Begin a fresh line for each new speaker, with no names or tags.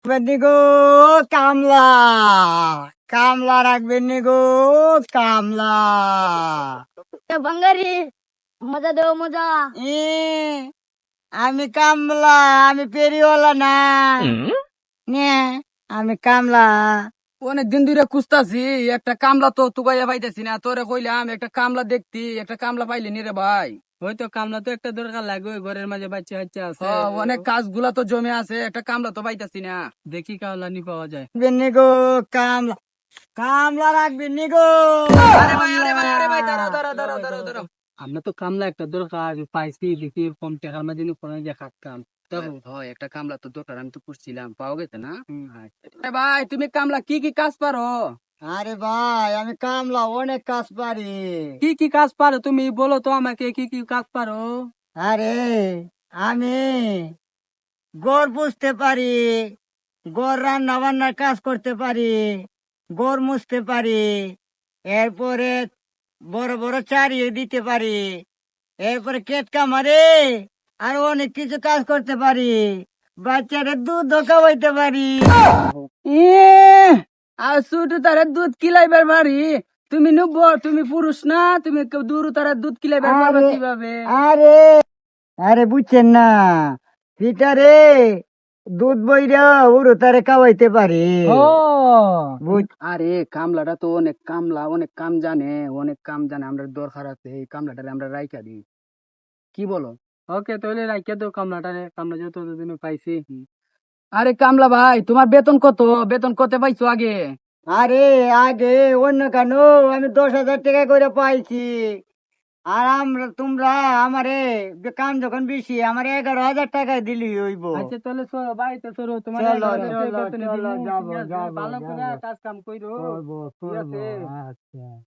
রাখবেন গো কামলা, কামলা রাখবেন গো কামলা।
বাঙ্গারি মজা দেও মজা।
এ আমি কামলা, আমি পেরিওয়ালা না। নে আমি কামলা।
অনেক দিন ধরে খুঁজতাছি একটা কামলা, তো তুগাইয়া পাইতেছি না। তোরে কইলাম একটা কামলা দেখতি, একটা কামলা পাইলি নি রে ভাই?
হয়তো কামলা তো একটা দরকার লাগবে, ঘরের মাঝে বাচ্চা কাচ্চা আছে।
অনেক কাজগুলা তো জমে আছে, একটা কামলা তো পাইতাছি না।
দেখি কামলা নি পাওয়া যায়।
রাখবেন গো কামলা, কামলা রাখবেন গো
আরে ভাই, আরে ভাই, আরে ভাই, দাঁড়াও
কামলা।
দাঁড়াও দাঁড়াও দাঁড়াও দাঁড়াও।
আমরা তো কামলা একটা দরকার পাইছি, দেখি কম টাকার মাঝে নি কোনো যে কাম।
হয় একটা কামলা তো দরকার, আমি তো করছিলাম, পাওয়া গেছে না?
আচ্ছা।
আরে ভাই, তুমি কামলা কি কি কাজ পারো?
আরে ভাই আমি কামলা অনেক কাজ পারি।
কি কি কাজ পারো তুমি বলো তো আমাকে, কি কি কাজ পারো?
আরে আমি গড় পুষতে পারি, গড় রান্না বান্নার কাজ করতে পারি, গড় মুছতে পারি, এরপরে বড় বড় চারিয়ে দিতে পারি, এরপরে কেট কামারে আর অনেক কিছু কাজ করতে পারি, বাচ্চাদের দুধ খাওয়াইতে পারি।
আর ছোট তারে দুধ কিলাইবার পারি? তুমি নুব, তুমি পুরুষ না, তুমি দূর তারে দুধ কিলাইবার পারবে
আরে
কিভাবে?
আরে আরে বুঝছেন না, পিটারে দুধ বইরা উড়ো তারে খাওয়াইতে পারি। বুঝ
আরে কামলাটা তো অনেক কামলা, অনেক কাম জানে, অনেক কাম জানে, আমরা দরকার আছে এই কামলাটারে আমরা রাইখা দিই, কি বলো?
ওকে তাহলে রাখিয়া তো কামলাটা, কামলা যত দিন পাইছি।
আরে কামলা ভাই, তোমার বেতন কত? বেতন কত পাইছো আগে?
আরে আগে অন্য কেন, আমি 10,000 টাকা করে পাইছি। আর তোমরা আমারে কাম যখন বেশি আমার 11,000 টাকা দিলি হইব।
আচ্ছা তাহলে চলো বাড়িতে চলো, তোমার
চলো
11,000 টাকা
চলো
বেতন
চলো
দিমু,
যাবো
ঠিক আছে?
যাবো
ভালো করে
যাবো,
কাজ কাম কইরো,
করবো
ঠিক
করবো।
আছে?
আচ্ছা।